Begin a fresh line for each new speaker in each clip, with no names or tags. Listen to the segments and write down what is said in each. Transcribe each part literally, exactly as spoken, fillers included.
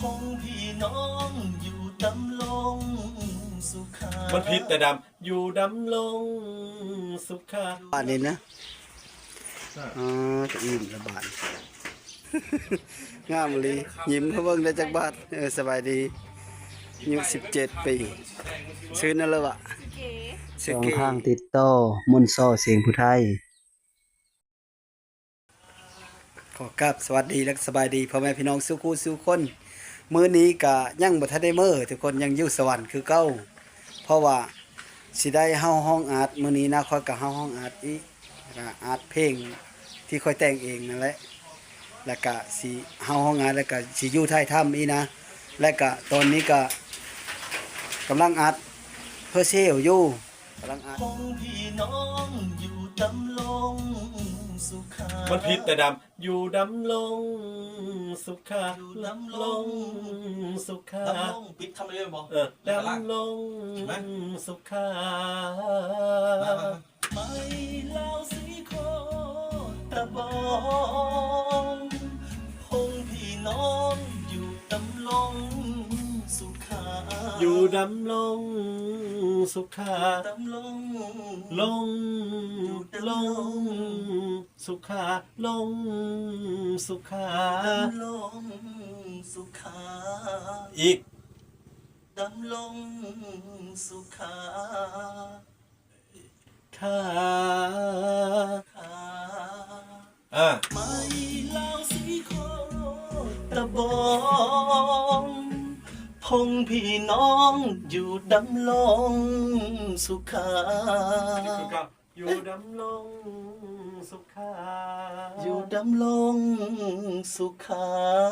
งพี่น้องอยู่ดำลงสุขา
มันผิดแต่ดำอยู่ดำลงสุขา
บ้านนี้นะอ๋อจะอิ่มละบาทงามเลยยิ้มเขาเบิ่งได้จากบ้านเออสบายดีอายุสิบเจ็ดปีซื้อนั่นแล้วอะสองข้างติดโต้มุนโซ่เสียงผู้ไทยขอกราบสวัสดีและสบายดีพ่อแม่พี่น้องสู้คู่สู้คนมื้อนี้ก็ยังบ่ทันได้มื้อทุกคนยังอยู่สวรรค์คือเก่าเพราะว่าสิได้เฮาห้องอัดมื้อนี้นะค่อยก็เฮาห้องอัดอีกก็อัดเพลงที่ค่อยแต่งเองนั่นแหละแล้วก็สิเฮาห้องอัดแล้วก็สิอยู่ท้ายถ้ำอีนะและก็ตอนนี้ก็กำลังอัดเพื่อเซลอยู่กำลังอัด
คงพี่น้องอยู่ดำลงสุขา
มันผิดแต่ดำอยู่ดำลงสุขา
ดำลง
สุขา
ดำลงปิดทำอะไรบ่
เออดำลงสุขา
ไม่เล่าสีโคตะบองคงพี่น้องอยู่ดำลงสุขา
อยู่ดำลงสุขา
ดำลง
ลงลงสุขาลงสุขา
ดำลงสุขา
อีก
ดำลงสุขา
ขา
ขา
อ่ะ
ไม่เล่าสีโคตะบองพงพี่น้องอยู่ดำลงสุขา
อยู่ดำลงสุขา
อยู่ดำลงสุขา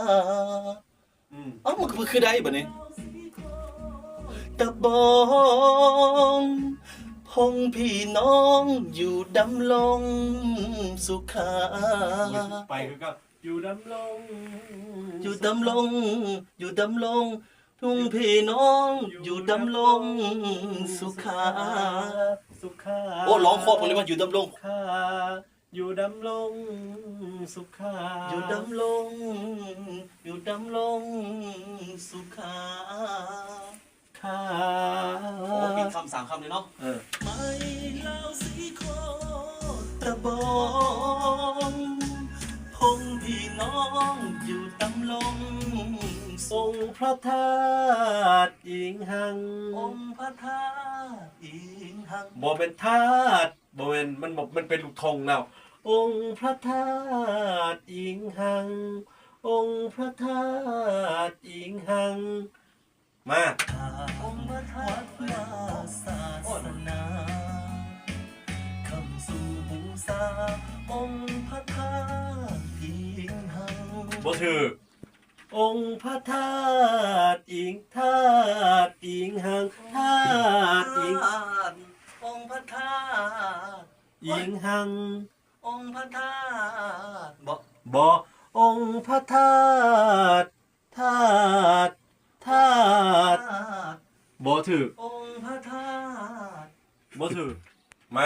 เอ้ามันคือได้บ่เนี่ยตะบองพงพี่น้องอยู่ดำลงสุขา
ไปคือก็อยู่ดำลง
อยู่ดำลงอยู่ดำลงทุ่งพี่น้องอยู่ดำลงสุขา
สุขา
โอ้ร้องครอบเลยว่าอยู่ดำลง
อยู่ดำลงสุขา
อยู่ดำลงอยู่ดำลงสุขา
ขา
โอ้ปิดคำสามคำเลยเนาะ
เออ
ไม่เล่าสีโคตะบองพงพี่น้องอยู่ดำลง
องค์พระธาตุอิงหัง
องค์พระธาตุอิงหัง
บ่เป็นธาตุบ่เป็นมันบอกมันเป็นลูกธงแล้วองค์พระธาตุอิงหังองค์พระธาตุอิงหังมา
องค์พระธาตุมาศาสนาคำสู่บูชาองค์พระธาตุอิงหัง
บ่ถือองค์พระธาตุอิงธาตุอิงหังธาตุอิง
องค์พระธาตุ
อิงหัง
องค์พระธาตุบ่
บ่องค์พระธาตุธาตุธาตุบ่ถือ
องค์พระธาตุ
บ่ถือไม่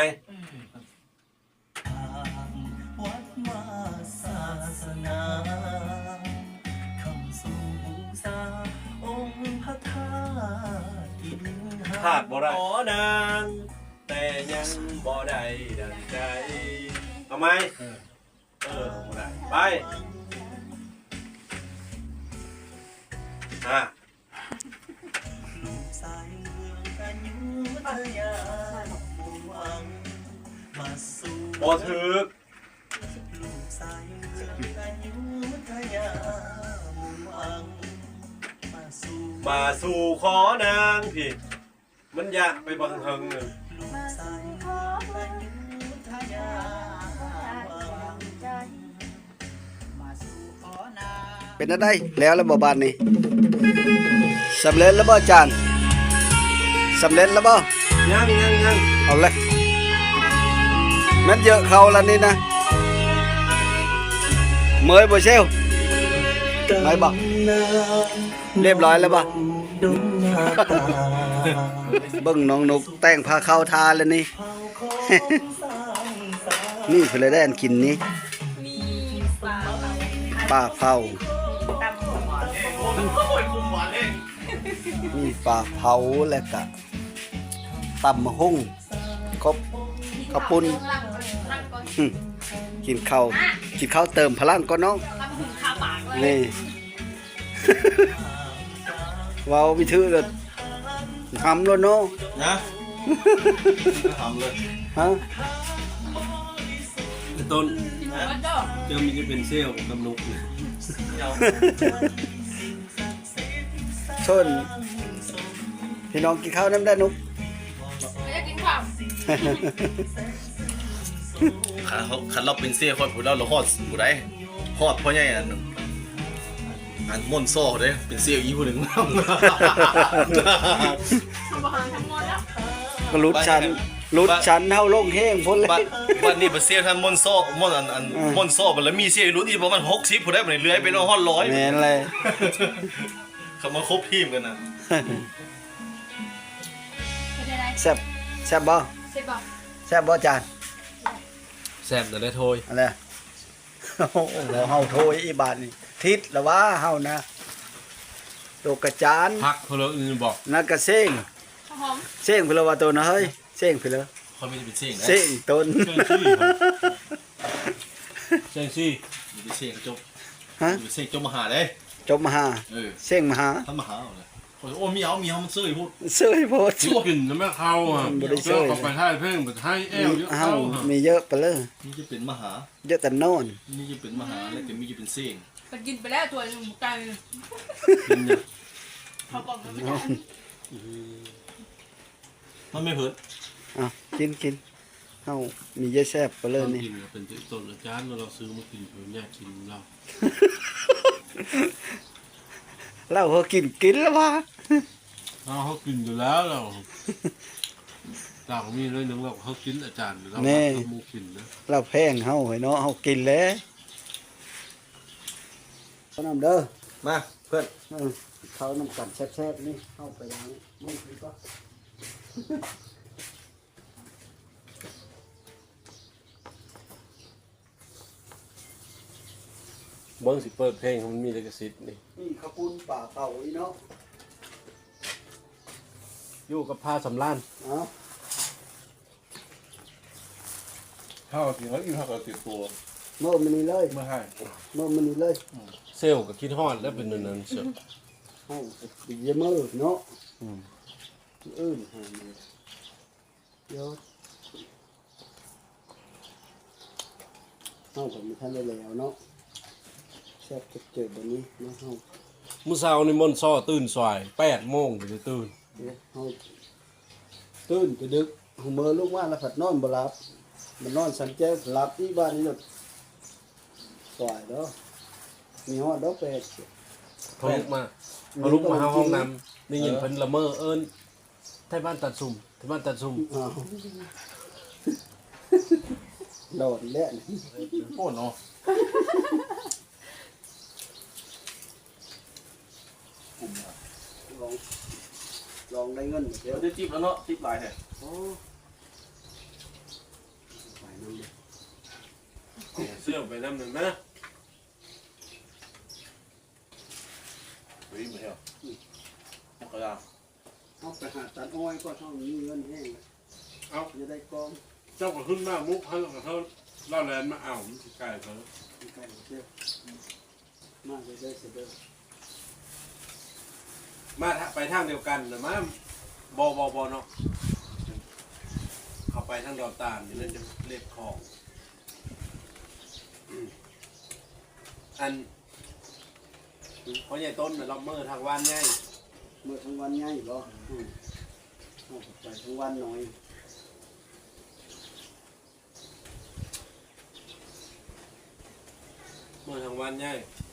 วัดมาศาสนา
ขาดบ่ได้ขอนางแต่ยังบ่ได้ดังใจเอาไหมเออบ่ได้ไปอ่ะ
ลูกสายเมืองอยุธยามุ่งหวังมาสู่
บ่ถึก
ลูกสายเมืองอยุธยามุ่งหวังมาสู่
มาสู่ขอนางพี่มันยากไปบังเฮิงเลย
เป็นอะไรแล้วแล้วบ่บานนี่สำเร็จแล้วบ่อาจารย์สำเร็จแล้วบ่
ยังยังยัง
เอาเลยมันเยอะเขาแล้วนี่นะเมยบ่เซลไม่บอกเรียบร้อยแล้วบ่เบิ่งน้องนกแต่งพาเข้าทาแล้วนี่ นี่เพื่อเลยได้อันกินนี้ปลาเผา
โอ้ยคุมหวานเอง
มีปลาเผาและก็ตำมะฮุ่งครบข้าวปุ้นหึกินข้าวกินข้าวเติมพลังก่อนน้อง
ทำหุ่นคาปากเลย
นี่ เว้าวิถือเลยทำแล้วเนาะ
นะทำเลย
ฮะ
ต้น
มันก็
เจ้ามีจะเป็นเซลล์กำนุกเนี่ย
ชนพี่น้องกินข้าวน้ำได้นุก
ไม่ได้กินข้าว
ขันเขาขันเราเป็นเซี่ยคนผู้เราเราฮอดผู้ใดฮอดพ่อใหญ่อันอันม่อนโซ่เด้เป็นเซี่ยอีผู้หนึ่ง
ทำอาหารทั้งหมดแล้ว
ก็รุดชันรุดชันเท่าลงแห้งพ้นเล
บัด
ย
บัดนี้เป็นเซี่ยท่านม่อนโซ่ม่อนอันอัน
อืม
ม่อนโซ่บัดแล้วมีเซี่ยรุ่นอีกประมาณหกสิบผู้ใดบัดนี้เลื้อยไปน้องฮอดร้อย
แม่นเลย
เขามาครบทีมกันนะ
เป็นอะไร
แซ่บแซ่บบ่
เสร็จบอก
แซ่บบ่จาน
แซมแต่ได้โทย
อะไรโอ้โหเฮาโทยอีบาทนี่ทิศละว่าเฮานะโตกระจาน
พักเพลอื่นบอก
นักกระเซ้ง
ข้าวหอม
เซ้งเพลว่าตัวนะเฮ้ยเซ้งเพล
เขาไม่ได้เป็นเซี่ยงนะ
เซ้งต้น
เซงซี่
มีเป็นเซี่ยงจบ
ฮะ
มีเป็นเซี่ยงจบมหาเด้
จบมหา
เออ
เซ้งมหา
ท่านมหาเอาเลยโอ้มีเอามีเอามันซื้อพูด
เสื้อโพด
ชื่อกินแล้วไม่เข้าอ่ะ
บ่ได้ช่วย
เจ้าก็ไปให้เพ่งไปให้แอลเยอะ
เฮา
เข้า
มีเยอะไปเลย
นี่จะเป็นมหา
เยอะแต่โน่น
นี่จะเป็นมหาแล้วก็มีจะเป็นเซี่ยง
ไปกินไปแล้วตัวหนึงไก่
กินเนี่ย
เขาบอกมันไม่ได้
มันไม่เพิ่น
อ่ะกินกินเฮามีเยอะแซ่บไปเลย
ตอน
นี่
กินก็เป็นต้นอาจารย์เราซื้อมากินเพื่อแยกกินเรา
เราเฮากินกินแล้วว่า
เราเขากินอยู่แล้วเราต่างมีเลยหนึ่งเราเขากินอาจารย์เราทำมูกินนะ
เราแพงเฮาให้เนาะเฮากินแล้วเอาน้ำเด้อ
มาเพื่อน
เออเขาน้ำกันแซ่บๆนี่เข้าไปล้างมือถือก็
เบิ้งสิเปิดเพลงมันมีลิขสิทธิ์นี่
นี่ข้าวปุ้นป่าเป่าอีเนาะ
อยู่กับผ้าสำล้าน
เอา
ข้าวกินแล้วกินข้าวกับติดตัว
เมื่อมันนี่เลย
เมื่อให้
เมื่อมันนี่เลย
เซลล์กับคิดฮอดแล้วเป็นนั้นเสีย
เฮาดีเยอะมือเนาะอืมอื่นหามาเดี๋ยวเฮาก็มีท่านได้แล้วเนาะแซ่บเจ็บๆแบบนี้เนาะเฮา
มื้อเช้านี่มนต์ซ้อตื่นสายแปดโมงถึงจะตื่น
เดี๋ยวเฮาตื่นจะดึกเฮาเมื่อลูกว่าแล้วผัดนอนบ่หลับมันนอนสันแจ้งหลับที่บ้านนี่หลดสวยเด้อมีฮอดดอกเป็ด
เขาลุกมาเขาลุกมาหาห้องน้ำได้ยินเพิ่นละเมอเอิ้นไทบ้านตัดซุ่มไทบ้านตัดซุ่ม
อ้าวโดดเล่น
โอ้เนาะ
ลองลองได้เงินเดี๋
เดี๋
ย
ยว วจะจิบแล้วเนาะจิบหลายแท้
โอ้ไปน้ำเด้อ
เสื้อไปน้ำหนึ่งนะ
เฮ้ยไม่ใช่หรอมันก็ยาว
เอาไปหาตัดอ้อยก็เท่านี้เงินแห้ง
เอา
จะได้กอง
เจ้าก็ขึ้นมามุกเขากับเขาเล่าแลนมาเอามันสิไก่เขา
ไก่เด้อมาเลยได้อเสยเด้อ
มาทะไปทางเดียวกันนะมาบอบอบอเนาะเขาไปทางดอนตาลนี่แล้วจะเรียกของอืมอันเพราะใหญ่ต้นน่ะเราเมื่อทางวันไง
เมื่อทั้งวันง่ายบ่อืมเอาไปทั้งวันหน่อย
เมื่อทางวันไง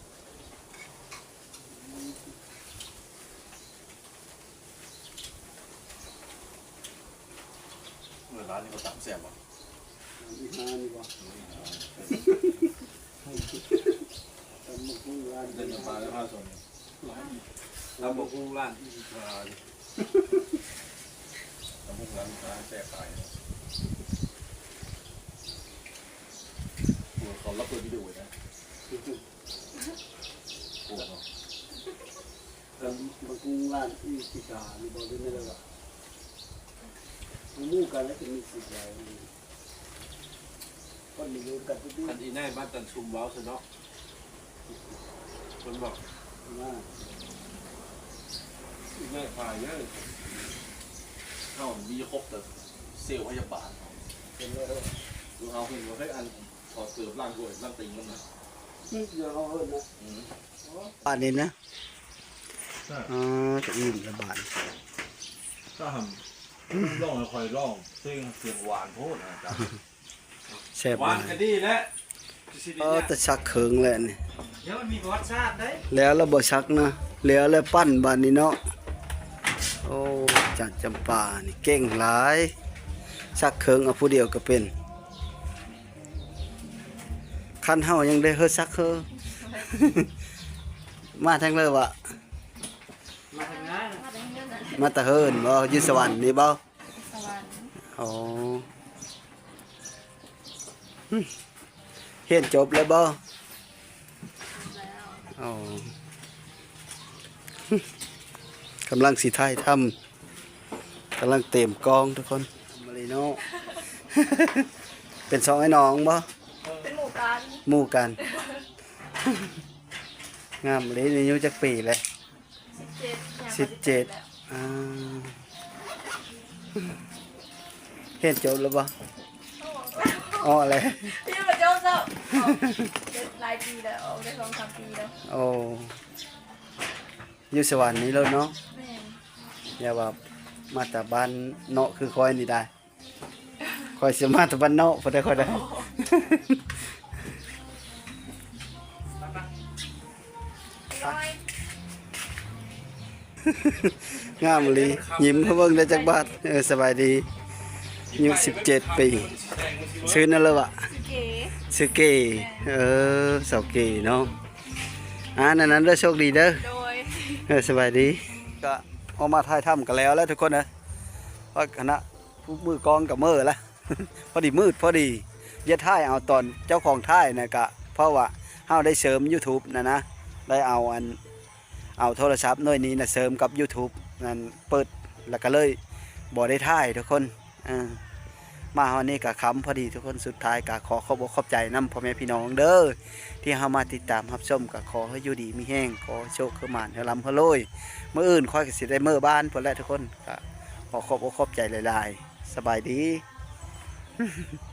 เมื่อร้านนี้เขาตักแซ่บอ่ะ
อีหานี่บ่ตำบักหุ่งร้าน
เดินมาแล้วพาส่วน
เราบอกกุ้งร้านที่สุดา
ตำบุกร้านร้านแซ่บตายเขารับเปิดวิดีโอนะโอ้โห
านบางกรุงร้านอีสิกานี่บ่ได้เลยว่าหมู่กันแล้วจะมีสิหลายคนมีอยู่กันทุก
อันอีน่ายบ้านตันชุมเว้าซะเนาะคนบอก
นะ
อีน่ายพายเยอะ
เฮามีครบแต่เซลล์พยาบาล
เป็นเลย
ดูเฮาเห็นว่าเฮ้ยอันถอดเสื้อล่างด้วยล่างติงมันนะ
นี่เดี๋ยวเอาเอิ้นนะ
อืม
บ้านนี้นะอ๋อจะอิ่มละบาท
ก็ทำร้องคอยร้องเพลงเสียงหวานโพดนะจ๊ะ
แซ่บ
หวาน
มาก
ก็ดีแล้ว
เออแต่ชักเขิงแหละนี่
เดี๋ยวมันมีประวัติศาสตร์ได้
แล้วเราบ่ชักนะแล้วแล้วปั้นบ้านนี้เนาะโอ้จัดจำปานี่เก่งหลายชักเขิงเอาผู้เดียวก็เป็นคันเฮายังได้เฮ็ดชักเฮอ มาทั้งเลยว่ะ
มาทำงาน
มาเป็นเรื่องนั้น
มาแตะเฮินบ่อยู่สวรรค์นี่บ่
สวรรค์
อ๋อหึเรียนจบแล้วบ่
แล้ว
อ๋อหึกำลังสิถ่ายทำกำลังเต็มกองทุกคนมาเลยเนาะ เป็นสองไอ้น้องบ่
เป็นหมู่กัน
หมู่กัน งามเลยอายุจักปีเลย
สิบเจ็ด
สิบเจ็ดอ่าเรียนจบแล้วบ่อ๋ออะไร
พี่มาจบแล้วเจ็ดหลายปีแล้วได้สองสามปีแล้ว
โอ้อยู่สวรรค์นี้แล้วเนาะ
แม่น
อย่าว่ามาแต่บ้านเนาะคือคอยนี่ได้คอยสิมาแต่บ้านเนาะพอได้คอยได้
ร้อย
งามเลยยิ้มเขาเบิ่งได้จักบาทเออสบายดีอายุสิบเจ็ดปีซื้อนั่นเลยวะ
สิเก๋
ซื้อเกเออเสาเกเนาะอ่านั้นนั้นเด้อโชคดีเด้อ
โดย
เออสบายดีก็ออกมาถ่ายถ้ำกันแล้วแล้วทุกคนนะเพราะคณะผู้มือกองกับมือแล้ว พอดีมืดพอดีเย็ดท่ายเอาตอนเจ้าของท่ายนะกะเพราะว่าเฮาได้เสริม YouTube นะนะได้เอาอันเอาโทรศัพท์หน่วยนี้นะเสริมกับ YouTube นั่นเปิดแล้วก็เลยบ่ได้ท่ายทุกคนอ่ามาวันนี้ก็ค้ำพอดีทุกคนสุดท้ายก็ขอขอบอกขอบใจนำพ่อแม่พี่น้องเด้อที่เฮามาติดตามรับชมก็ขอให้อยู่ดีมีแห้งขอโชคขึ้นมานเฮาลำเฮาโรยเมื่ออื่นค่อยก็สิได้เมื่อบ้านพุ่นแหละทุกคนก็ขอขอบอกขอบใจหลายๆสบายดี